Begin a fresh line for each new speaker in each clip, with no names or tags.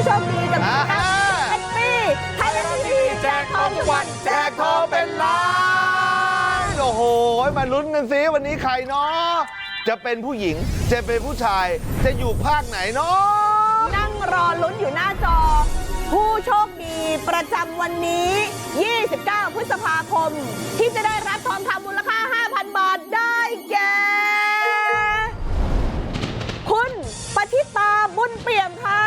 โชคดีกับเป็นปีไทยรัฐทีวีแจกทองทุกวันแจกทองเป็นล้าน
โอ้โหมาลุ้นกันซิวันนี้ใครเนาะจะเป็นผู้หญิงจะเป็นผู้ชายจะอยู่ภาคไหนเนาะ
นั่งรอลุ้นอยู่หน้าจอผู้โชคดีประจำวันนี้ 29 พฤษภาคมที่จะได้รับทองคำมูลค่า 5,000 บาทได้แก่คุณปฏิตาบุญเปี่ยมค่ะ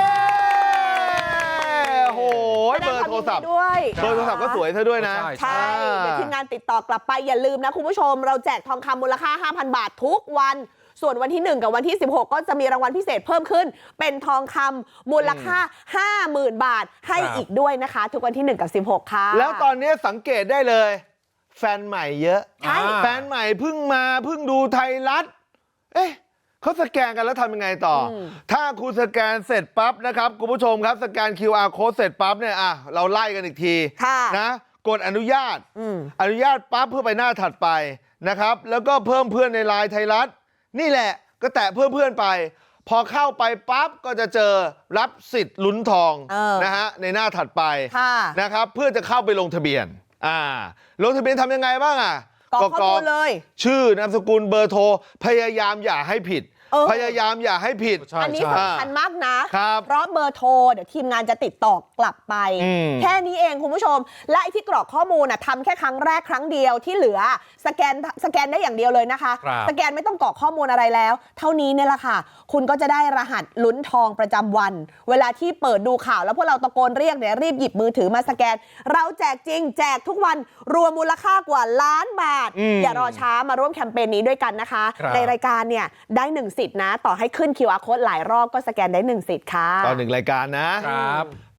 โอ้โหเบอร์โทรศัพท์
ด้วย
เบอร์โทรศัพท์ก็สวยซะด้วยนะ
ใช่เดี๋ยวทีมงานติดต่อกลับไปอย่าลืมนะคุณผู้ชมเราแจกทองคำมูลค่า 5,000 บาททุกวันส่วนวันที่1กับวันที่16ก็จะมีรางวัลพิเศษเพิ่มขึ้นเป็นทองคำมูลค่า 50,000 บาทให้อีกด้วยนะคะทุกวันที่1กับ16ค่ะ
แล้วตอนนี้สังเกตได้เลยแฟนใหม่เยอะแฟนใหม่เพิ่งดูไทยรัฐเอ๊ะเขาสแกนกันแล้วทำยังไงต่อถ้าคุณสแกนเสร็จปั๊บนะครับคุณผู้ชมครับสแกน QR code เสร็จปั๊บเนี่ยเราไล่กันอีกทีนะกดอนุญาตปั๊บเพื่อไปหน้าถัดไปนะครับแล้วก็เพิ่มเพื่อนในไลน์ไทยรัฐนี่แหละก็แตะเพื่อนไปพอเข้าไปปั๊บก็จะเจอรับสิทธิ์ลุ้นทองนะฮะในหน้าถัดไปนะครับเพื่อจะเข้าไปลงทะเบียนลงทะเบียนทำยังไงบ้าง
กรอกข้อมูลเลย
ชื่อนามสกุลเบอร์โทรพยายามอย่าให้ผิดพยายามอย่าให้ผิด
อันนี้สำคัญมากนะเพราะเบอร์โทรเดี๋ยวทีมงานจะติดต่อกลับไปแค่นี้เองคุณผู้ชมและไอ้ที่กรอกข้อมูลทำแค่ครั้งแรกครั้งเดียวที่เหลือสแกนได้อย่างเดียวเลยนะคะสแกนไม่ต้องกรอกข้อมูลอะไรแล้วเท่านี้เนี่ยแหละค่ะคุณก็จะได้รหัสลุ้นทองประจำวันเวลาที่เปิดดูข่าวแล้วพวกเราตะโกนเรียกเนี่ยรีบหยิบมือถือมาสแกนเราแจกจริงแจกทุกวันรวมมูลค่ากว่าล้านบาทอย่ารอช้ามาร่วมแคมเปญนี้ด้วยกันนะคะในรายการเนี่ยได้1 สิทธิ์นะต่อให้ขึ้น QR code หลายรอบก็สแกนได้1 สิทธิ์ค่ะ
ต่อ1 รายการนะครับ